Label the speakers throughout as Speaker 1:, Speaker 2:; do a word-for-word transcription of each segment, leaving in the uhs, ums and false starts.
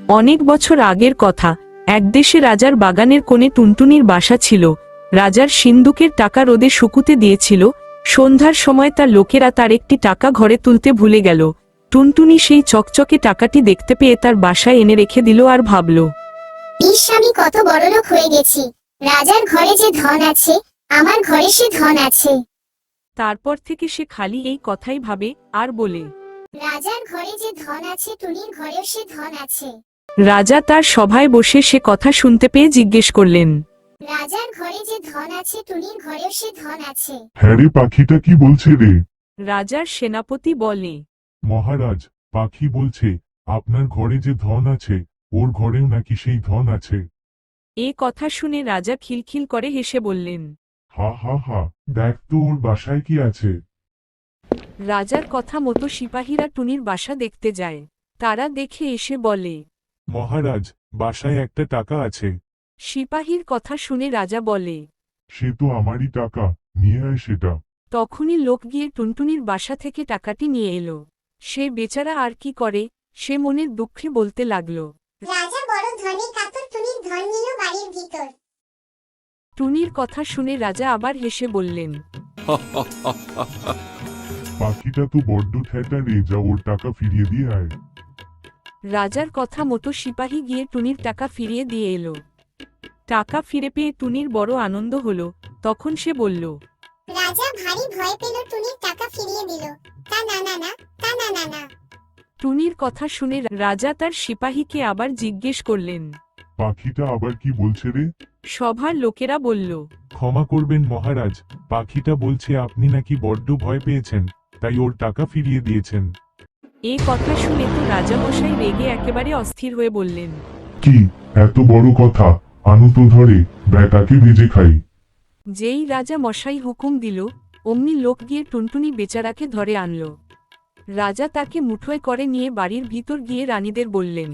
Speaker 1: অনেক বছর আগের কথা। এক দেশে রাজার বাগানের কোণে টুনটুনির বাসা ছিল। রাজার সিন্দুকের টাকা রোদে শুকুতে দিয়েছিল। সন্ধ্যার সময় তার লোকেরা তার একটি টাকা ঘরে তুলতে ভুলে গেল। টুনটুনি সেই চকচকে টাকাটি দেখতে পেয়ে তার বাসায় এনে রেখে দিল আর ভাবল,
Speaker 2: ইস, আমি কত বড়লোক হয়ে গেছি। রাজার ঘরে যে ধন আছে, আমার ঘরে সে ধন আছে।
Speaker 1: তারপর থেকে সে খালি এই কথাই ভাবে আর বলে,
Speaker 2: রাজার ঘরে যে ধন আছে, টুনির ঘরেও সে ধন আছে।
Speaker 1: রাজা তার সভায় বসে সে কথা শুনতে পেয়ে জিজ্ঞেস করলেন,
Speaker 2: রাজার ঘরে যে ধন আছে, টুনির ঘরেও সে ধন আছে।
Speaker 3: হ্যাঁ রে, পাখিটা কি বলছে রে?
Speaker 1: রাজার সেনাপতি বলে,
Speaker 3: মহারাজ, পাখি বলছে আপনার ঘরে যে ধন আছে, ওর ঘরেও নাকি সেই ধন আছে।
Speaker 1: এ কথা শুনে রাজা খিলখিল করে হেসে বললেন।
Speaker 3: হা হা হা, দেখ তো ওর বাসায় কি আছে।
Speaker 1: রাজার কথা মতো সিপাহীরা টুনির বাসা দেখতে যায়। তারা দেখে এসে বলে,
Speaker 3: মহারাজ, বাসায় একটা টাকা আছে।
Speaker 1: সিপাহীর কথা শুনে রাজা বলে,
Speaker 3: সে তো আমারই টাকা, নিয়ে আয় সেটা।
Speaker 1: তখনই লোক গিয়ে টুনটুনির বাসা থেকে টাকাটি নিয়ে এলো। সে বেচারা আর কি করে, সে মনের দুঃখে বলতে লাগল।
Speaker 2: রাজা বড় ধনী কাতর, টুনির ধন নিল বাড়ির ভিতর।
Speaker 1: টুনির কথা শুনে রাজা আবার হেসে বললেন,
Speaker 3: পাখিটা তো বড্ড ঠেটা রে, যা ওর টাকা ফিরিয়ে দিয়ে আয়।
Speaker 1: রাজার কথা মতো সিপাহী গিয়ে টুনির টাকা ফিরিয়ে দিয়ে এলো। টাকা ফিরে পেয়ে টুনির বড় আনন্দ হলো। তখন সে বলল,
Speaker 2: রাজা ভারী ভয় পেল, টুনির টাকা ফিরিয়ে দিল। তা না না না, তা না না না।
Speaker 1: টুনির কথা শুনে রাজা তার সিপাহীকে আবার জিজ্ঞেস করলেন।
Speaker 3: পাখিটা আবার কি বলছে রে?
Speaker 1: সভার লোকেরা বলল,
Speaker 3: ক্ষমা করবেন মহারাজ, পাখিটা বলছে আপনি নাকি বড্ড ভয় পেয়েছেন, তাই ওর টাকা ফিরিয়ে দিয়েছেন।
Speaker 1: এ কথা শুনে তো রাজামশাই রেগে একেবারে অস্থির হয়ে বললেন,
Speaker 3: কি এত বড় কথা, আনু তো ধরে ব্যাটাকে ভেজে খাই।
Speaker 1: যেই রাজা মশাই হুকুম দিল, অমনি লোক গিয়ে টুনটুনি বেচারাকে ধরে আনল। রাজা তাকে মুঠোয় করে নিয়ে বাড়ির ভিতর গিয়ে রানীদের বললেন।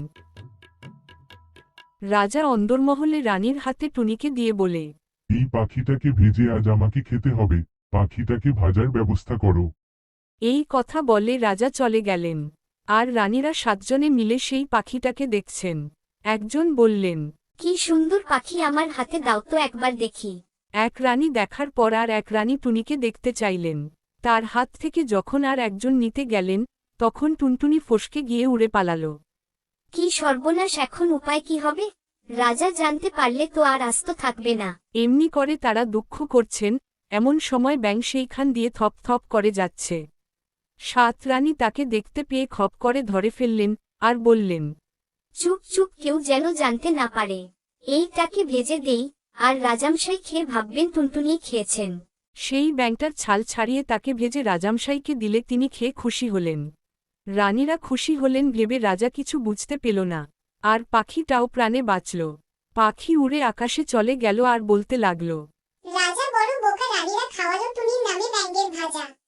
Speaker 1: রাজা অন্দরমহলে রানীর হাতে টুনিকে দিয়ে বলে,
Speaker 3: এই পাখিটাকে ভেজে আজ আমাকে খেতে হবে, পাখিটাকে ভাজার ব্যবস্থা করো।
Speaker 1: এই কথা বলে রাজা চলে গেলেন। আর রানীরা সাতজনে মিলে সেই পাখিটাকে দেখছেন। একজন বললেন,
Speaker 2: কি সুন্দর পাখি, আমার হাতে দাও তো একবার দেখি।
Speaker 1: এক রানী দেখার পর আর এক রানী টুনিকে দেখতে চাইলেন। তার হাত থেকে যখন আর একজন নিতে গেলেন, তখন টুনটুনি ফসকে গিয়ে উড়ে পালাল।
Speaker 2: কি সর্বনাশ, এখন উপায় কি হবে? রাজা জানতে পারলে তো আর আস্ত থাকবে না।
Speaker 1: এমনি করে তারা দুঃখ করছেন, এমন সময় ব্যাঙ সেইখান দিয়ে থপ থপ করে যাচ্ছে। সাত রানী তাকে দেখতে পেয়ে খপ করে ধরে ফেললেন আর বললেন,
Speaker 2: চুপ চুপ, কেউ যেন জানতে না পারে। এইটাকে ভেজে দেই, আর রাজামশাই খেয়ে ভাববেন টুনটুনি খেয়েছেন।
Speaker 1: সেই ব্যাঙটার ছাল ছাড়িয়ে তাকে ভেজে রাজামশাইকে দিলে তিনি খেয়ে খুশি হলেন। রানীরা খুশি হলেন ভেবে রাজা কিছু বুঝতে পেল না। আর পাখিটাও প্রাণে বাঁচল। পাখি উড়ে আকাশে চলে গেল আর বলতে লাগল,
Speaker 2: রাজা বড় বোকা, রানীরা খাওয়ালো টুনির নামে ব্যাঙের ভাজা।